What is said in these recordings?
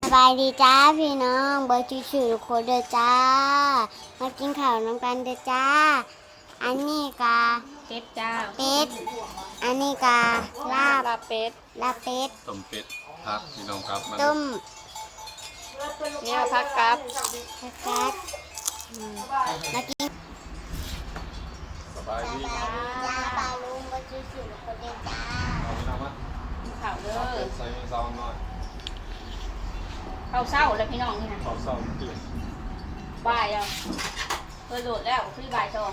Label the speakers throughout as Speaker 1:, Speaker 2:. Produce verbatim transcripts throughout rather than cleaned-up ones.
Speaker 1: บายดีจ้าพี่น้องเบอร์ชื่อๆโคเดอจ้ามากินข้าวน้ำกันเด้อจ้าอันนี้กา
Speaker 2: เป็ดจ้า
Speaker 1: เป็ดอันนี้กาลาบ
Speaker 2: ลาบเป็ด
Speaker 1: ลาบเป็ด
Speaker 3: ต้มเป็ดพักพี่น้องครับมา
Speaker 1: ต้ม
Speaker 2: เนี่ยพักกับ
Speaker 1: ผักกัดมากิน
Speaker 3: สบายดี
Speaker 1: จ้าปลาลุงเบอร์ชื่อๆโคเดอจ้า
Speaker 3: เอาไปทำมั้ย
Speaker 2: ข้าวเด้อ
Speaker 3: ใส่ซองหน่อย
Speaker 2: ข้าวเศร้าแล้วพี่น้องนี่นะ
Speaker 3: ขอซองตื่น
Speaker 2: บ่ายแล้วเคยโหลดแล้วคือบ่ายสอง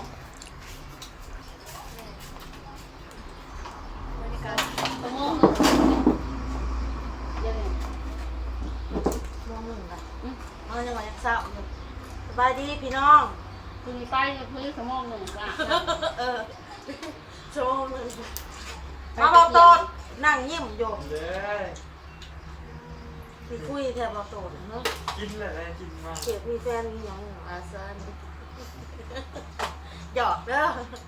Speaker 2: ตะโมงเดี๋ยวนี้
Speaker 4: มองหนึ่งค่ะเอาจังหวะเศร้าสบายดีพี่น้อง
Speaker 2: คือมีไฟคือสมองหนึ่งจ้ะ
Speaker 4: เออโชว์หนึ่งมาเบาโตดนั่งยิ้มอยู่พี่คุยแทบเบาโตดเนาะ
Speaker 5: กินเลยกินมาก
Speaker 4: เกียบมีแฟนมีอย่างอาซานหยอกเด้อ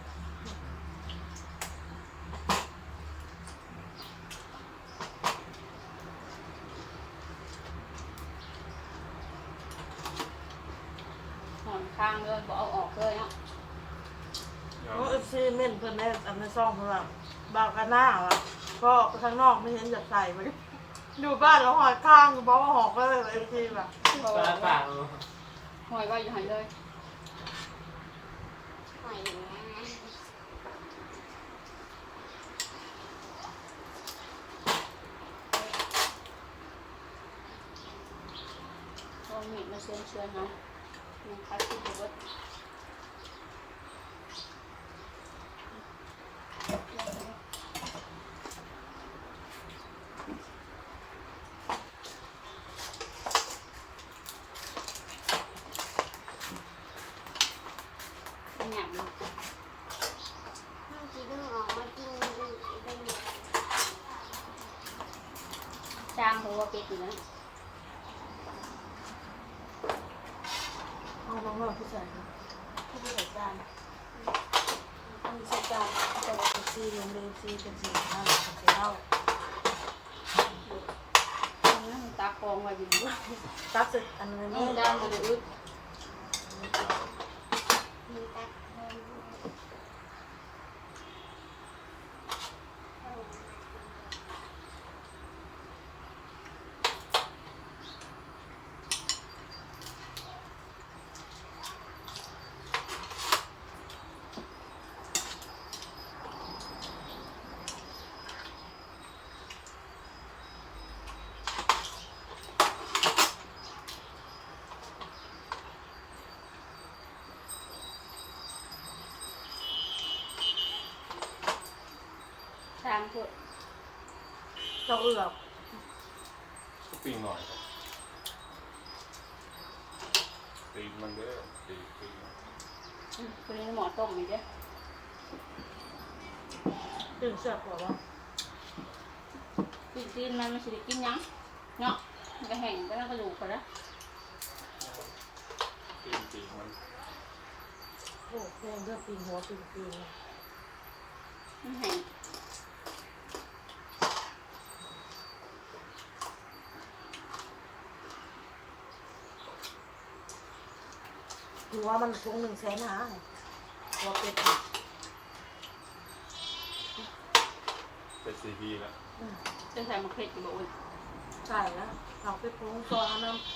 Speaker 2: หอนข้างเลยบอกเอาออกเลยเนาะ
Speaker 4: โอ้เอฟซีเม่นเพิ่นได้อันในซองเพิ่นว่าบากกันหน้าว่ะก็ข้างนอกไม่เห็นจะใส่มาอยู่บ้านแล้วหอยข้างเพราะว่าหอกก็เลยเอฟซีแบบ
Speaker 2: บอก
Speaker 5: ปลา
Speaker 2: ว่า
Speaker 5: ปาก
Speaker 2: หอยไว้อยู่หันเลย
Speaker 1: หอยนะ
Speaker 2: เอาเม็ดมาเชือนเชือนเนาะมันคัดขึ้นไปเบิดหยาบเลย
Speaker 1: ห้องกินออกมากินเป็น
Speaker 2: จางหัวเป็ดอยู่นะ
Speaker 4: เอาน้องๆผู้ชายค่ะผู้ใส่จานผู้ใส่จานตัวเอฟซีลงเลยเอฟซีเป็นสีห้าเป็นสีเหล้า
Speaker 2: มันตากองไว้อยู่ด้วย
Speaker 4: ตักเสร็จอันนี้
Speaker 2: นี่
Speaker 4: ไม่
Speaker 2: จางมันอึด
Speaker 1: มีตักเพิ่ม
Speaker 2: จางพวก
Speaker 4: เราเอือบ
Speaker 3: ปิ้งหน่อยตีมันเด้อตีตี
Speaker 2: คนนี้หมอต้มอีกเด้อ
Speaker 4: ตื่นเสือกหัววะ
Speaker 2: กินกินมันมันสิได้กินยังเนาะมันก็แห้งไปแล้วก็ดูกไปแล้ว
Speaker 3: ตีตีมัน
Speaker 4: โอ้แพงเลือกปีนหัวปีนปีน
Speaker 2: มันแห้ง
Speaker 4: ถือว่ามันคงหนึ่งแสนหาหัวเป็ด
Speaker 3: เป็นซีพีแล้ว
Speaker 2: จะใส่มะเขืออยู่บ่อุ่น
Speaker 4: ใช่แล้วเราไปปรุงซอสน้ำ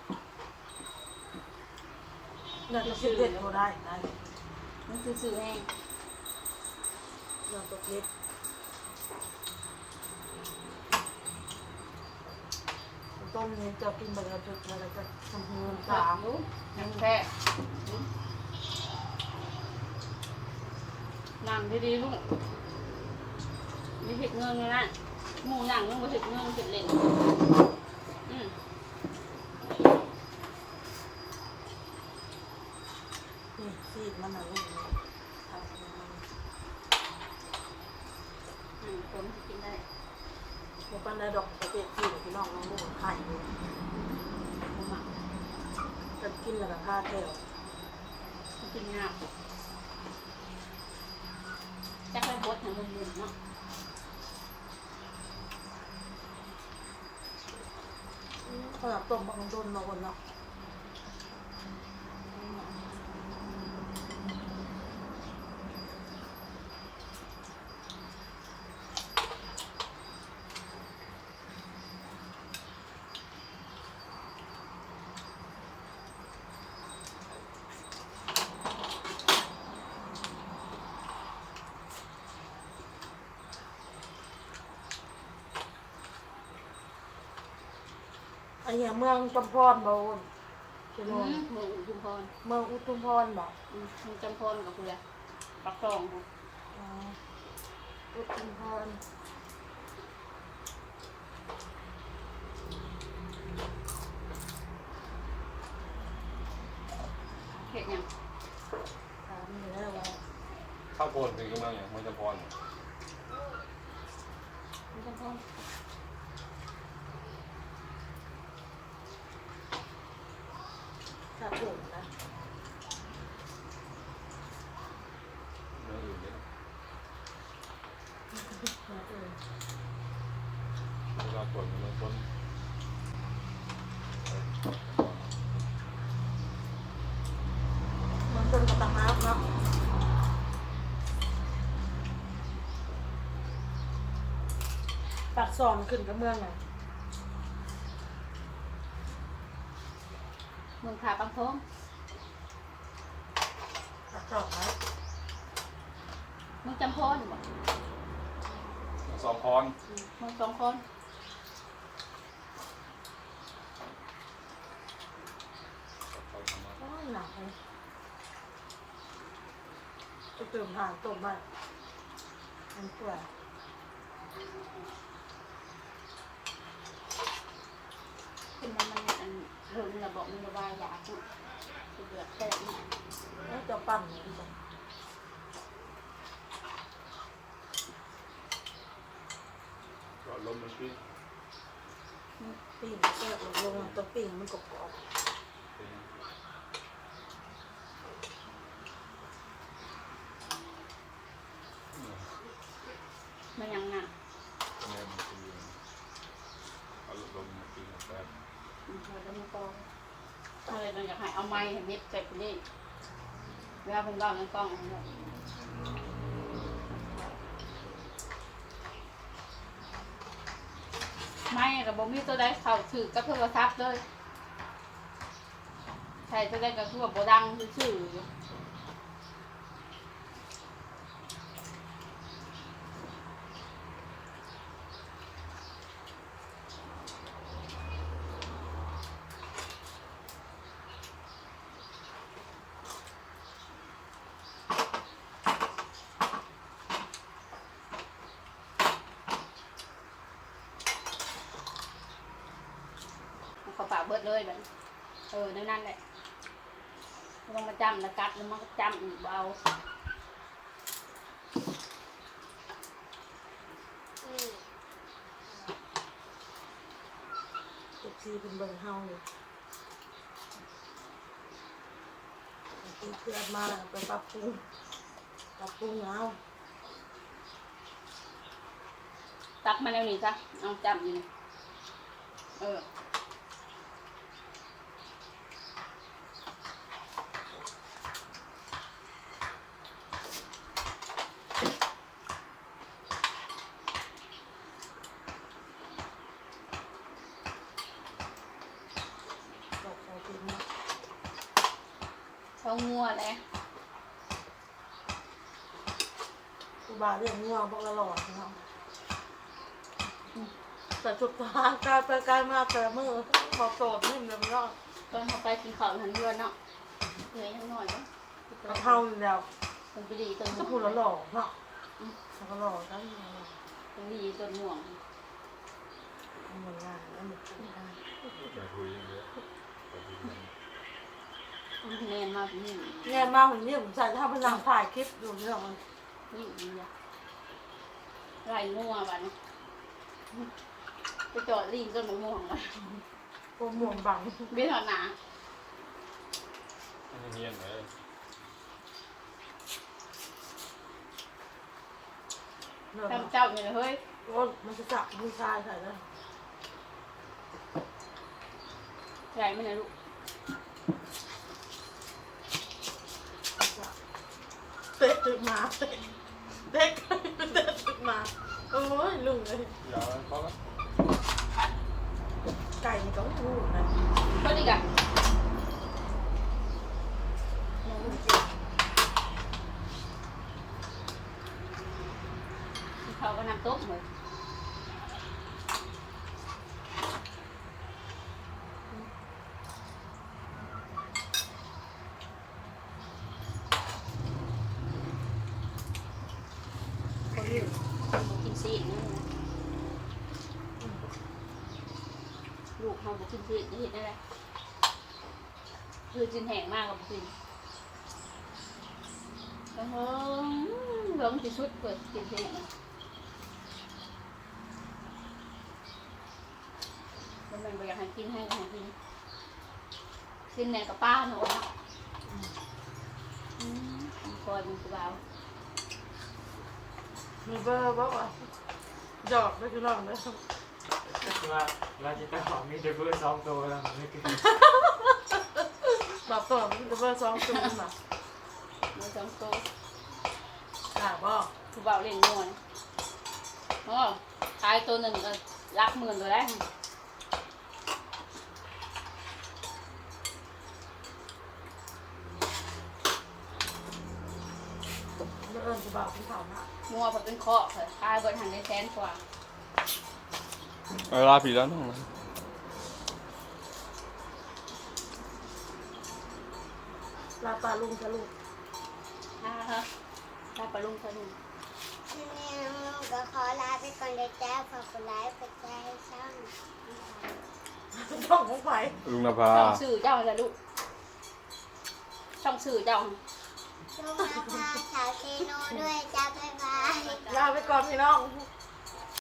Speaker 4: อยากจะซื้อเด็ดก็ได้ได้
Speaker 2: มันคือสื่อแห้ง
Speaker 4: เราตัวเล็กต้มเนี่ยจะกินแบบเราจะอะไรจะทำเงิน
Speaker 2: สา
Speaker 4: สาม
Speaker 2: มยังแค่นั่งดีๆลูกมีเห็ดเงินเลยนะหมูนั่งมันมาเห็ดเงินเห็ดเหล่นอืม
Speaker 4: นี่ซีดมันน่ะลูกนี่ทำมัน
Speaker 2: อืมคนที่กินได้
Speaker 4: เดี๋ยวปันได้ดอกประเภทซีดพี่น้องน้องลูกไข่อยู่
Speaker 2: ผมอ่ะ
Speaker 4: จะกินแล้วก็ค่าแก้ว
Speaker 2: กินงามจักไปบดทางเงินเนาะ
Speaker 1: อืม
Speaker 4: ขนาดต้มบางโดนมาคนเนาะอันนี้เมืองจำพรบ่วนเป็น
Speaker 2: อื
Speaker 4: เมือง
Speaker 2: มเมืองอุทุมพร
Speaker 4: เมืองอุทุมพรบ่
Speaker 2: อืมเมืองจำพรกับคุณแหละปักซองค่ะ
Speaker 4: อ๋ออุทุมพร
Speaker 2: เห็ดหยัง
Speaker 4: ถามอยู่แล้วว่า
Speaker 3: ข้าวโพดถึงกำลังอย่างมันจะพร
Speaker 2: เมืองจำพร
Speaker 4: ถ้าถูกนะ
Speaker 3: เรื่องอื่นเนี่ย
Speaker 4: มาเออ
Speaker 3: เวลาฝนมันต้น
Speaker 4: มันเป็นกระตังน้ำเนาะปากซอนขึ้นกับเมืองไง
Speaker 2: เมืองขาปังทง
Speaker 4: ปากซอนนะ
Speaker 2: เมืองจำพรบ่
Speaker 3: สองพร
Speaker 2: อืมเมืองสองคน
Speaker 4: โอ้ยหนักเลยไปเติมห่างต้มบ้านมันเปื่อย
Speaker 2: คือมันมันอันเรื่องระบบมันระบายยาคุดคือเดือดแตกนี่
Speaker 4: แล้วจะปั่นเลยดีกว่า
Speaker 3: ก็ลมมันพิษ
Speaker 4: ปิ้งแซ่บลงตัวปิ้งมันกรอบ
Speaker 2: มันยังหนัก
Speaker 3: แม่มันคือเอาลมมากินแบบ
Speaker 2: อืมเราจะมาตองอะไรเราอยากให้เอาไม้ให้เม็ดใส่ไปนี่เวลาเป็นกล้องเป็นกล้องอันนี้ไม่กับบมีตัวใดเข้าถือกับโทรศัพท์เลยใช่ตัวใดก็คือว่าบ่ดังซื่อๆอยู่ เขาปากเบิดเลยแบบเออนั่นนั่นแหละไม่ต้องมาจำแล้วกัดแล้วมันก็จำอีกเบา
Speaker 4: เจ็บซีเป็นเบิ่งเฮาอยู่ตีเพื่อนมาไปปรับปรุงปรับปรุงเอา
Speaker 2: ตักมาแล้วนี่จ้ะเอาจำอยู่นี่เออ
Speaker 4: บอกเอากินเนาะ
Speaker 2: เขางัวแหละ
Speaker 4: กูบาเรื่องง่วงบอกละหลอดเนาะแต่จุดทางกลายไปกลายมาแต่มือบอกโสดนิ่มเลยมันเนาะ
Speaker 2: ตอนเขาไปกินข้าวทันเดือนเนาะเหนื่อยยังหน่อยเนาะ
Speaker 4: กระเท่าอยู่แล้ว
Speaker 2: เป็นไปดีต้น
Speaker 4: ก็พูดละหลอดเนาะแล้วก็หลอดกัน
Speaker 2: เป็นดีต้นม่วง
Speaker 4: มันงานแล้วมันทำงาน
Speaker 3: ไปคุยเยอะไปคุยกัน
Speaker 2: มันแนนมากนี่
Speaker 4: แง่มากเหมือนนี่ผมใส่ถ้าพนังถ่ายคลิปอยู่เนี่ยมัน
Speaker 2: นี่ดีอะไรงัวบ้านี้ไปจอดลิงต้นมะม่วงเลย
Speaker 4: โปรโมทบัง
Speaker 2: เบี้ยหนา
Speaker 3: เงียบเลย
Speaker 4: เนี่ย
Speaker 2: ทำเจ้าอยู่เลยเฮ้ย
Speaker 4: โอ้มันจะจับมือชายใส่เลย
Speaker 2: ใหญ่ไหมนะลูก
Speaker 4: เตะตึกมาเตะเด็กเตะตึกมาโอ้ยลุงเลย
Speaker 3: ยาวเพราะว่า
Speaker 4: ไก่นี่ก็ไม่รู้นะ
Speaker 2: ก็ดีกัน
Speaker 4: น้องลุงจริง
Speaker 2: เขาก็นำโต๊ะเหมือนคนอื่นกินซีดนะลูกเขาบอกกินซีดนี่เห็นได้ไหมคือจินแห้งมากกับกินแล้วเฮ้ยลงที่สุดเปิดกินซีดแล้วมันไปอยากให้กินให้ให้กินกินแหนกับป้าหนูนะคอยมันคือเบา
Speaker 4: มีเบอร์บอกว่าหยอกไม่คือน้องเลย
Speaker 5: ว่าเราจะต้องมีเดบิวต์สองตัวแล้วไม่คือ
Speaker 4: แบบตัวมีเบอร์สองตัวมา
Speaker 2: เนื้อสองโต
Speaker 4: อ่าบอก
Speaker 2: คือเบาเล่นนวลอ๋อขายตัวหนึ่งก็รักหมื่นตัวแล้ว
Speaker 4: เมื่อเอิญจะบอกพี่เขาหน้า
Speaker 2: มัวพอเป็นเคาะเลยขายบนหันได้แสนกว่า
Speaker 3: เวลาผีแล้วน้อง
Speaker 4: ลาปลาลุงจะลุง
Speaker 2: ฮ่าฮะได้ปลาลุงปลาลุง
Speaker 1: ทีนี้น้องลุงก็ขอลาไปก่อนเด้อจ้าฝากกดไลค์กดแชร์ให้ช่อง
Speaker 4: ช่องของไฟ
Speaker 3: ลุงนภา
Speaker 2: ช่องสื่อเจ้าอะไรลูกช่องสื่อเจ้า
Speaker 1: ลุงนภาสาวเซโนด้วยจ้าบ๊ายบาย
Speaker 4: ลาไปก่อนพี่น้อง
Speaker 1: บ